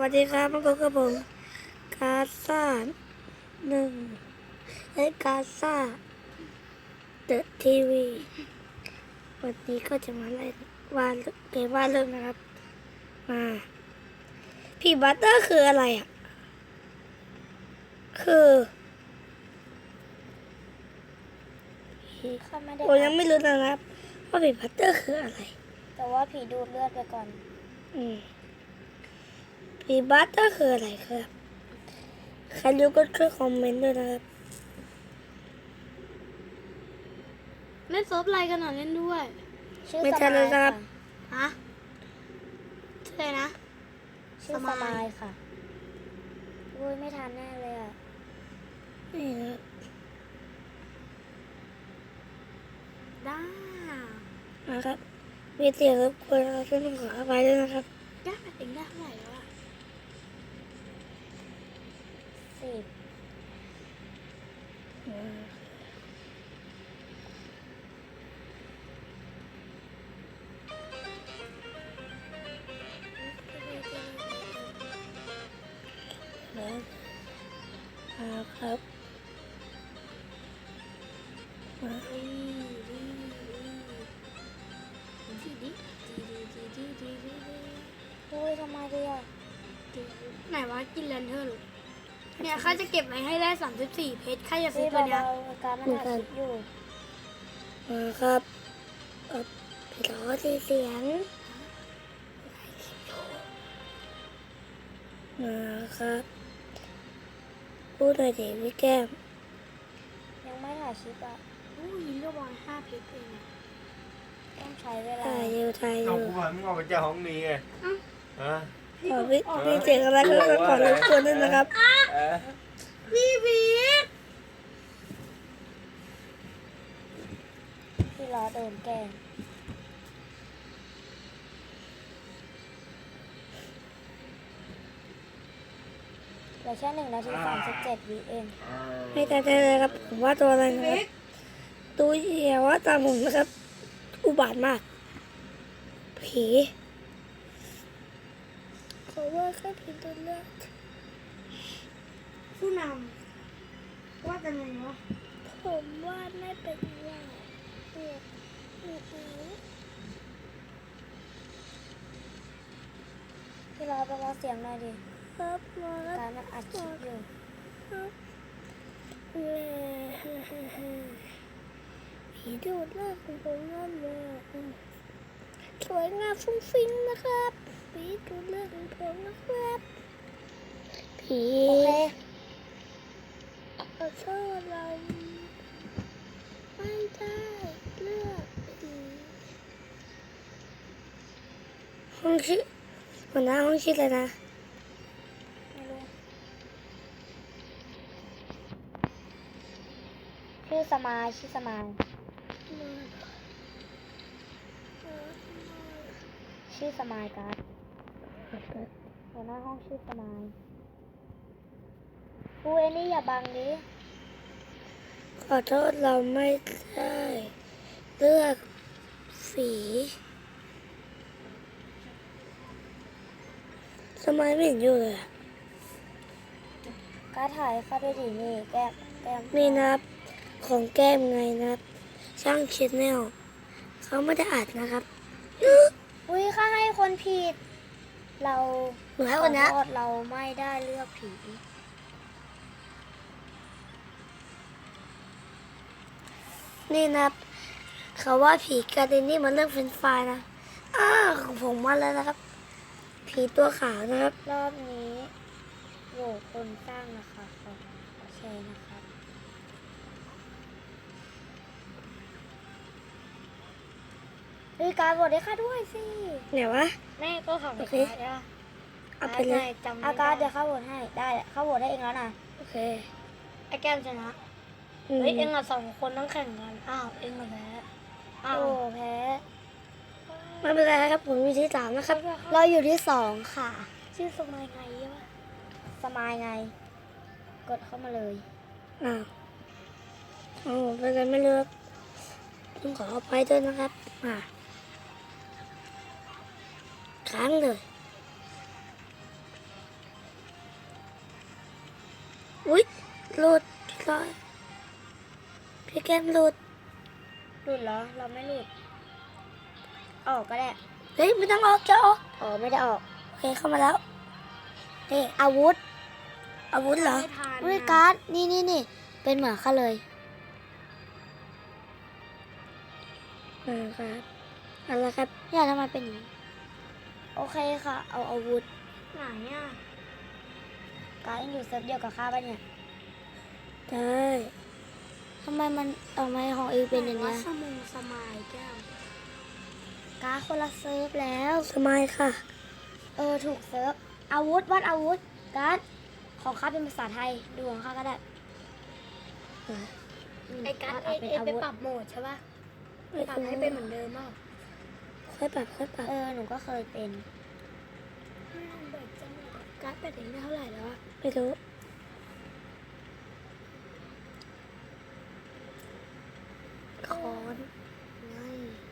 วัสดีครับมาพบกับผมกาซ่าหนึ่งและกาซ่าเดอะทีวีวันนี้ก็จะมาเล่นวาดเกมวาดเรื่องนะครับมาพี่บัตเตอร์คืออะไรอ่ะคือข้าไม่ได้ผมยังไม่รู้นะครับว่าพี่บัตเตอร์คืออะไรแต่ว่าผีดูดเลือดไปก่อนพี่บัตเตอร์คืออะไรครับใครรู้ก็ช่วยคอมเมนต์ด้วยนะครับเล่นเซิร์ฟอะไรกันหน่อยเล่นด้วยชื่อไม่สใช่มายเลยครัค่ะบฮะชื่ออะไรนะชื่อสสมายมายค่ะอุ้ยไม่ทันแน่เลยอ่ะนี่ครับด้านะครับมีเสียงรบกวนเราช่วยขออภัยด้วยนะครับด้าเองได้เท่าไหร่แล้วอะ 10 ครับมาอุ้ยทำไมดีอ่ะไหนวะกินแลนเทอร์เนี่ยข้าจะเก็บไว้ให้ได้34เพชรข้าจะซื้อพี่ตัวเนี้ยเบาๆอาการมันถ่ายคลิปอยู่มาครับพี่ล้อที่เสียงมาครับพูดหน่อยดิพี่แก้มยังไม่ถ่ายคลิปอ่ะอู้ยิงก็บอล5เพชรเองอะต้องใช้เวลาถ่ายอยู่ถ่ายอเอายู่กูมามึงออกไปจากห้องนี้ไงฮะพี่เสียงอะไรก็ขอรบกวนด้วยนะครับเออพี่พีทพี่ล้อโดนแกล้งเหลือแค่1 นาที 37 วิเองไม่ได้เลยครับผมว่าตัวอะไรนะครับตัวเหี้ยว่าตามผมนะครับ อุบาทมาก ผีเขาว่าแค่ผีตัวเลือกผู้นำว่าจะไงวะผมว่าไม่เป็นไรเนี่ยพี่ล้อไปรอเสียงหน่อยดิครับมาแล้วการมันอัดคลิปอยู่ผีดูดเลือดของผมนั่นเลยสวยงามฟุ้งฟิ้งนะครับผีดูดเลือดของผมนะครับผีโอเคขอโทษเราไม่ได้เลือกผีห้องชื่อหัวหน้าห้องชื่ออะไรนะไม่รู้ ชื่อสมายชื่อสมายชื่อสมายการ์ดหัวหน้าห้องชื่อสมายกูเอนี่อย่าบังดิขอโทษเราไม่ได้เลือกสีทำไมไม่เห็นอยู่เลยอะการ์ดถ่ายให้เข้าด้วยดินี่แก้มแก้มนี่นะครับของแก้มไงนะครับ ช่างชิดแนลเขาไม่ได้อัดนะครับอุ้ยข้าให้คนผิด เราหนูให้คนนี้ขอโทษเราไม่ได้เลือกผีนี่นะครับเขาว่าผีการ์เดนนี่มันเรื่องเฟรนช์ฟรายนะของผมมาแล้วนะครับ ผีตัวขาวนะครับรอบนี้โหวตคนสร้างนะคะโอเคนะครับเฮ้ยการโหวตให้ข้าด้วยสิไหนวะแม่ก็ของโอเคขาดอะเอาไปเลยจำไม่อาการได้เดี๋ยวข้าโหวตให้ได้ข้าโหวตให้เองแล้วนะโอเคไอ้แก้มชนะอืมเฮ้ยเอ็งอะ2 คนต้องแข่งกันอ้าวเอ็งอะแพ้อ้าวโอ้แพ้ไม่เป็นไรครับ ผมอยู่ที่สามนะครับเราอยู่ที่2ค่ะชื่อสมัยไงวะสมายไง กดเข้ามาเลยอ้าวเป็นไรไม่เลือกต้องขออภัยด้วยนะครับค้างเลยอุ้ยหลุดพี่ก้อยพี่แก้มหลุดหลุดเหรอ เราไม่หลุด ออกก็ได้เฮ้ยไม่ต้องออกจะออกอ๋อไม่ได้ออกโอเคเข้ามาแล้วนี่อาวุธอาวุธเหรอไม่ทันอุ้ยการ์ดนี่เป็นเหมือนข้าเลยครับเอาละครับเนี่ยทำไมเป็นอย่างนี้ โอเคค่ะ เอาอาวุธไหนอ่ะการ์ดยังอยู่เซิร์ฟเดียวกับข้าปะเนี่ยได้ทำไมของเองเป็นอย่างว่าเงี้ยสมงสมายแก้วการ์ดคนละเซิร์ฟแล้วสมัยค่ะถูกเซิร์ฟ อาวุธวัดอาวุธ การ์ดของข้าเป็นภาษาไทย ดูของข้าก็ได้มไอ้การ์ดวาดเอเอาเป็นอาวุธไปปรับโหมดใช่ปะไปปรับให้เป็นเหมือนเดิมเปล่าค่อยปรับค่อยปรับหนูก็เคยเป็นการ์ดเป็ดเองได้เท่าไหร่แล้วอะไม่รู้คอนไม่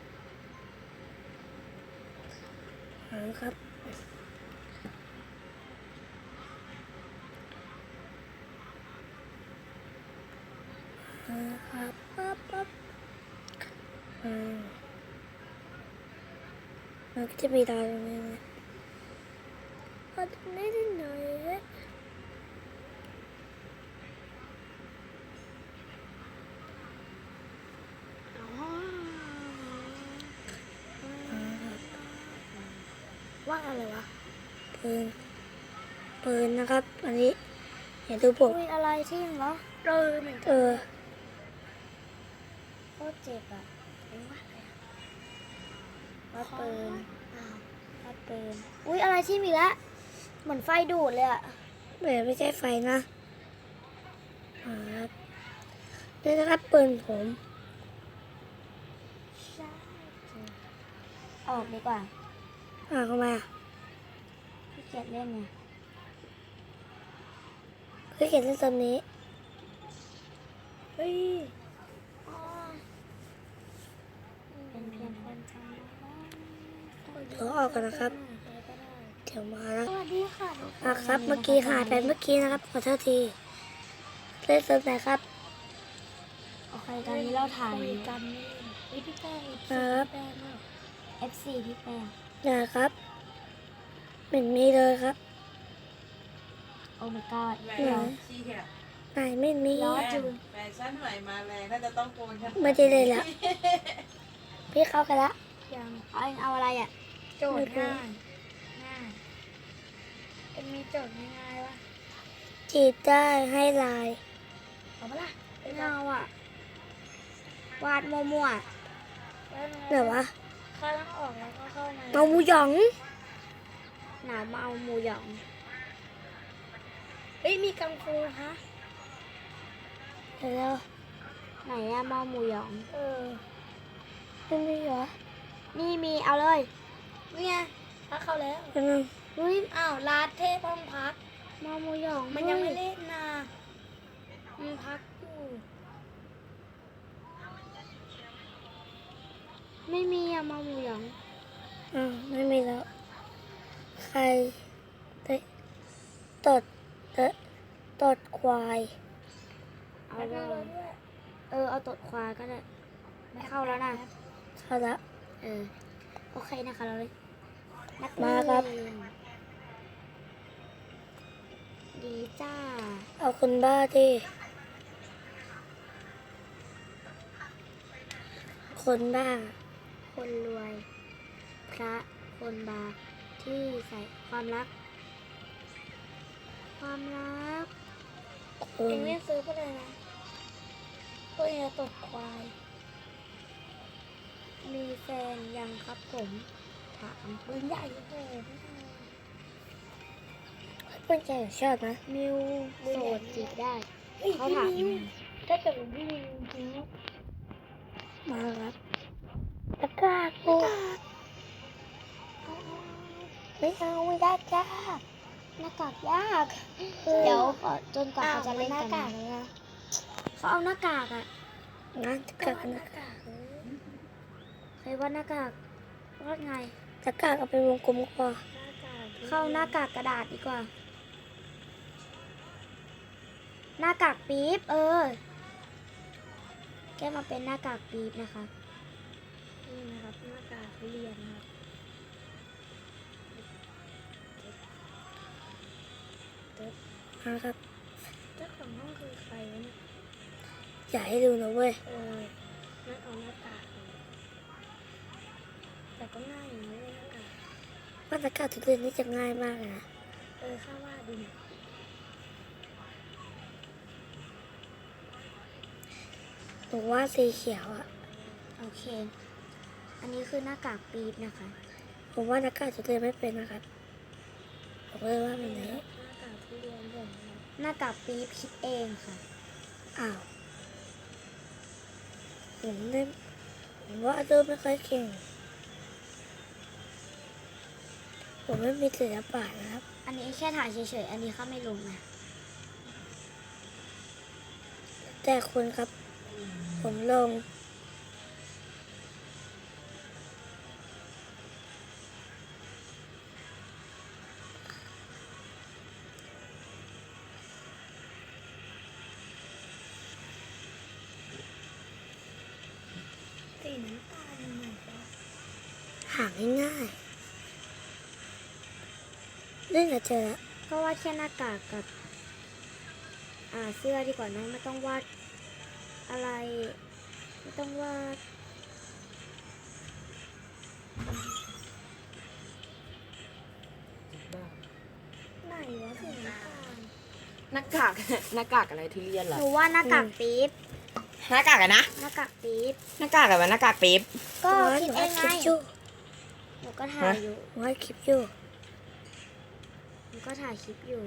ครับครับปั๊บมันก็จะมีดาวตรงนี้นะเอาตรงนี้นิดหน่อยอ๋อ ว่าอะไรวะปืนนะครับ อันนี้เห็นดูผมอุ้ยอะไรที่มเหรอเหมือนเอกันอโคตรเจ็บอ่ะวัดปืนวัดปืน อุ้ยอะไรที่มีละเหมือนไฟดูดเลยอ่ะไม่ใช่ไฟนะครับนี่นะครับปืนผมออกดีกว่าเข้ามาขี้เกียจเล่นไงคือเขียนเล่นตอนนี้เฮ้ยเป็นเพียงคนทำเดี๋ยวออกกันนะครับ เดี๋ยวมาแล้วสวัสดีค่ะทุกคนครับ เมื่อกี้หายไปเมื่อกี้นะครับ ขอโทษที เล่นเซิร์ฟไหนครับโอเคตอนนี้เราถ่ายคุยกันนี่เฮ้ยพี่แป้งครับพี่แป้งอะ FC พี่แป้งนะครับไม่มีเลยครับโอ้ my god แหวนไหนชี้เหี้ยไหนไม่มีร้อนแฟชั่นใหม่มาแรงน่าจะต้องโกนกันไม่ได้เลยละพี่เข้ากันละยังเอาอะไรอ่ะโจทย์ง่ายง่ายเป็นมีโจทย์ง่ายๆวะจีบได้ให้ลายเอาปะล่ะไม่เอาอ่ะ วาดมั่วแล้วไงไหนวะเข้าต้องออกแล้วก็เข้ามาเอาหมูหยองๆหนาวมาเอาหมูหยองเฮ้ยมีกังฟูฮะเดี๋ยวแล้วไหนอะมาเอาหมูหยองไม่มีเหรอนี่มีเอาเลยนี่ไงพักเข้าแล้วเป็นไงเฮ้ยอ้าวลาเทพห้องพักมาเอาหมูหยองมันยังไม่เฮ้เล่นนะมันพักอยู่ไม่มีอะมาเอาหมูหยองไม่มีแล้ว ใครได้ตดตดควายเอาเลยเอาตดควายก็ได้ ไม่เข้าแล้วนะเข้าละโอเคนะคะเราเลยนักมาครับเรียนดีจ้าเอาคนบ้าที่คนบ้าคนรวย พระคนบาปที่ใส่ความรัก ความรักคเอน งเล่นซื้อก็เลยนะตัวเองจะตกควายมีแฟนยังครับผม ถามปืนใหญ่โอ้โหเพื่อนใจชอบนะมิวโสดจีบได้เฮ้ยเขาพี่ถามมิวถ้าเกิดเป็นพี่มิวจริงๆนะมาครับตะกร้ากูไม่เอาไม่ได้จ้าหน้ากากยาก เดี๋ยวจนกว่าเขาจะเล่นหน้ากักากนเลยนะเขาเอาหน้ากากอะงั้นตะกร้ากันหนะน้ากากเลยใครว่าหน้ากากว่าไงตะกร้าเอาเป็นวงกลมกว่าหน้ากากเข้าหน้ากากกระดาษดีกว่าหน้ากากปี๊บแก้มาเป็นหน้ากากปี๊บนะคะนี่นะครับหน้ากากทุเรียนนะครับนะครับเจ้าของห้องคือใครวะเนี่ยอยากให้ดูนะเว้ยนั่นเอาหน้ากากเลยแต่ก็ง่ายอยู่นะเว้ยหน้ากากมาตรการทุเรียนนี่จะง่ายมากเลยนะข้าว่าดูเนี่ยหนูว่าสีเขียวอ่ะโอเค อันนี้คือหน้ากากปี๊บนะคะผมว่านักการทุเรียนไม่เป็นนะครับผมเลยว่าเป็นไหนหน้ากากทุเรียนผมนะครับหน้ากากปี๊บคิดเองค่ะอ้าวผมว่าดูไม่ค่อยเก่งผมไม่มีศิลปะนะครับอันนี้แค่ถ่ายเฉยๆ อันนี้เข้าไม่ลงนะแต่คุณครับ ผมลงสีน้ำตาลยังไงวะหาง่ายๆเล่นกับเจอแล้วก็วาดแค่หน้ากากกับเสื้อดีกว่านะไม่ต้องวาดอะไร ไม่ต้องวาดไหนวะสีน้ำตาลหน้ากาก หน้ากากอะไรทุเรียนเหรอหนูว่าหน้ากากปี๊บหน้ากากอะไรนะหน้ากากปี๊บหน้ากากอะไรวะหน้ากากปี๊บก็หคิดนูเออังดไงคลิปอยู่หนูก็ถ่ายอยู่หนูอัดคลิปอยู่หนูก็ถ่ายคลิปอยู่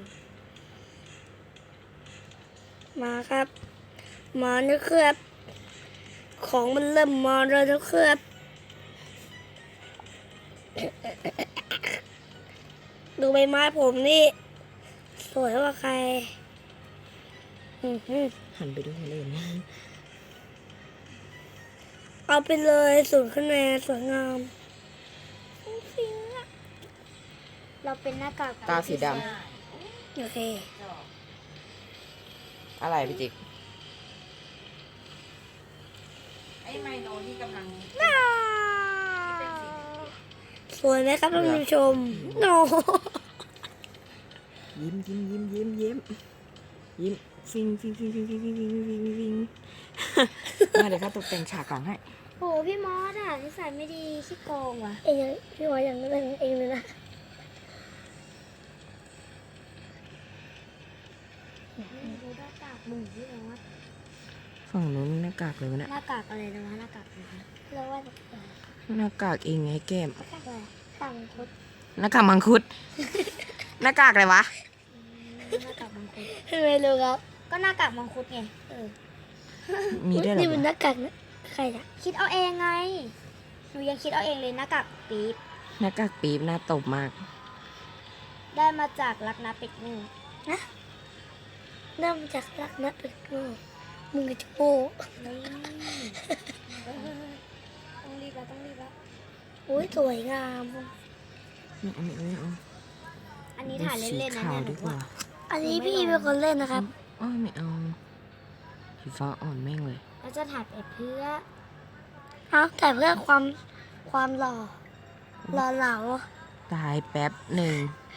มาครับ มานะครับ ของมันเริ่มมาแล้วนะครับ ดูใบไม้ผมนี่ สวยกว่าใครหันไปดูคนอื่นบ้างเอาไปเลย0 คะแนนสวยงามเราเป็นหน้ากากตาสีดโอเคำอะไรพี่จิ๊กไอ้ไมโนที่กำลังสวยไหมครับท่านผู้ชมโนยิ้มยิ้มยิ้มยิ้มยิ้มยิ้มฟิงฟิงฟิงฟิงฟิงฟิงฟิงฟิงฟิงมาเดี๋ยวข้าตกแต่งฉากหลังให้โหพี่มอสอ่ะนิสัยไม่ดีขี้โกงว่ะเองยังพี่ว่าอย่างนั้นเองเลยนะดูหน้ากากหมูพี่มอสฝั่งนู้นหน้ากากเลยวะเนี่ยหน้ากากอะไรนะวะหน้ากากอะไรนะเราว่าหน้ากากเองไงแก้มหน้ากากอะไรต่างคุดหน้ากากมังคุด หน้ากากอะไรวะหน้ากากมังคุดไม่รู้ครับก็หน้ากากมังคุดไงมีด้วยเหรนี่อเป็นหวะน้ากากนะใครอะคิดเอาเองไงหนูยังคิดเอาเองเลยหน้ากากปี๊บหน้ากากปี๊บหน้าตบมากได้มาจากรักนะเป็ดงูเริ่มจากรักนะเป็นโง่มึงกับจะโง่นี่ต้องรีบแล้วต้องรีบแล้วโอ้ยสวยงามไม่เอาไม่เอาอันนี้ถ่ายเล่นๆนะสีขาวเนี่ยหดีนูกว่าว่าอันนี้พี่เป็นคนเล่นนะครับอ้าวไม่เอาสีฟ้าอ่อนแม่งเลยเราจะถ่ายไปเพื่อเอาแต่เพื่อความหล่อเหลาตายแป๊บหนึ่ง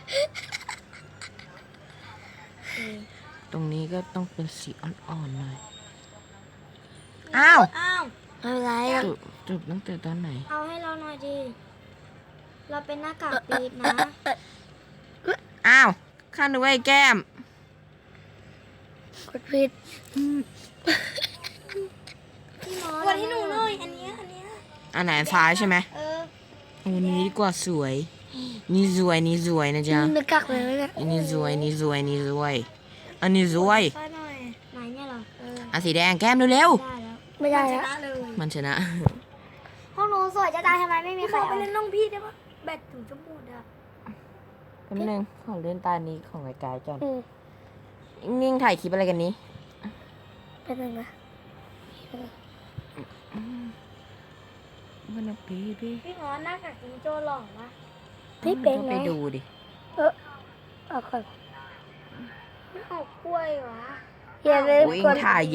ตรงนี้ก็ต้องเป็นสีอ่อนๆหน่อย อ้าวอ้าวไม่เป็นไรอะจุดตั้งแต่ตอนไหนเอาให้เราหน่อยดิเราเป็นหน้ากากปี๊บนะอ้าวข้านึกว่าไอ้แก้มกดผิดพี่มอสวันที่หนูหน่อยอันเนี้ยอันไหนซ้ายใช่ไหมเออวันนี้ดีกว่าสวย นี่สวยนี่สวยนะจ๊ะนึกกักเลยนะอันนี้สวยนี่สวยนี่สวย อันนี้สวยป้าหน่อยไหนเนี่ยเหรออันสีแดงแก้มเร็วได้แล้วไม่ได้ชแล้วนะเลยๆมันชนะห้องหนูสวยจะตายทำไมไม่มีพี่ใครบอกไปเอาเล่นน้องพี่ได้ปะแบตถึงจะหมดอ่ะแป๊บนึงขอเล่นตานี้ของรายการก่อนอืมนิ่งๆถ่ายคลิปอะไรกันนี้เป็นหนึ่งนะมันนะพี่พี่หมอหน้ากากจิงโจ้หล่อวะพี่เป็นก็ไงไปดูดิเอาก่อนไม่ออกกล้วยวะยอย่าลืมวิ่งกดถ่าย